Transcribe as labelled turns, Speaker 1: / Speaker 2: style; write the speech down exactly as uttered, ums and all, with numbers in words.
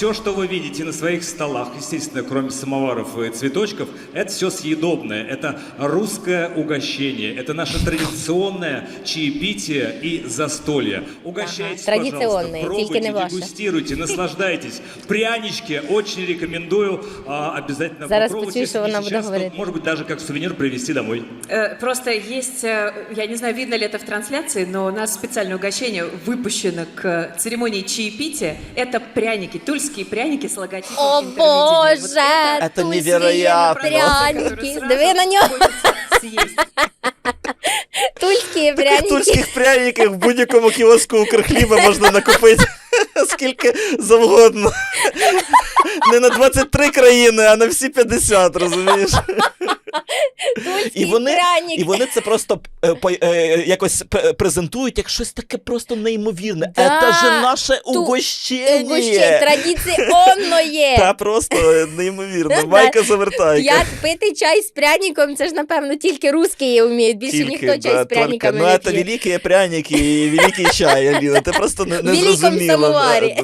Speaker 1: все, что вы видите на своих столах, естественно, кроме самоваров и цветочков, это все съедобное. Это русское угощение. Это наше традиционное чаепитие и застолье. Угощайтесь,
Speaker 2: Ага,
Speaker 1: пожалуйста,
Speaker 2: традиционное, только
Speaker 1: пробуйте,
Speaker 2: не ваше.
Speaker 1: дегустируйте, наслаждайтесь. Прянички очень рекомендую. а, Обязательно
Speaker 2: Зараз
Speaker 1: попробуйте.
Speaker 2: почую, що
Speaker 1: Если
Speaker 2: вона
Speaker 1: не
Speaker 2: буде
Speaker 1: сейчас, то,
Speaker 2: говорити.
Speaker 1: может быть, даже как сувенир привезти домой.
Speaker 3: Э, Просто есть, э, я не знаю, видно ли это в трансляции, но у нас специальное угощение выпущено к церемонии чаепития. Это пряники, тульские пряники с логотипом
Speaker 2: О
Speaker 3: интермедиа. Вот
Speaker 2: боже,
Speaker 4: Это
Speaker 2: тульські
Speaker 4: невероятно.
Speaker 2: пряники.
Speaker 3: Сразу
Speaker 2: Диви на нього.
Speaker 3: хочется съесть.
Speaker 2: Тульські
Speaker 4: Таких
Speaker 2: пряники.
Speaker 4: тульських пряників в будь-якому кіоску Укрхліба можна накупити скільки завгодно. Не на двадцять три країни, а на всі п'ятдесят, розумієш?
Speaker 2: Тульський
Speaker 4: І вони,
Speaker 2: пряник.
Speaker 4: і вони це просто е, по- е, якось п- презентують як щось таке просто неймовірне.
Speaker 2: Да,
Speaker 4: Це ж наше
Speaker 2: ту-
Speaker 4: угощення.
Speaker 2: Угощення традиційне.
Speaker 4: Та просто неймовірно.
Speaker 2: Да.
Speaker 4: Майка завертайка.
Speaker 2: Як пити чай з пряником, це ж, напевно, тільки русські вміють. Більше ніхто чай
Speaker 4: да,
Speaker 2: з пряниками
Speaker 4: Толька.
Speaker 2: не
Speaker 4: Ну, це
Speaker 2: п'є.
Speaker 4: великі пряники і великий чай, Аліна. Ти просто не, не
Speaker 2: В великому
Speaker 4: зрозуміла.
Speaker 2: самоварі.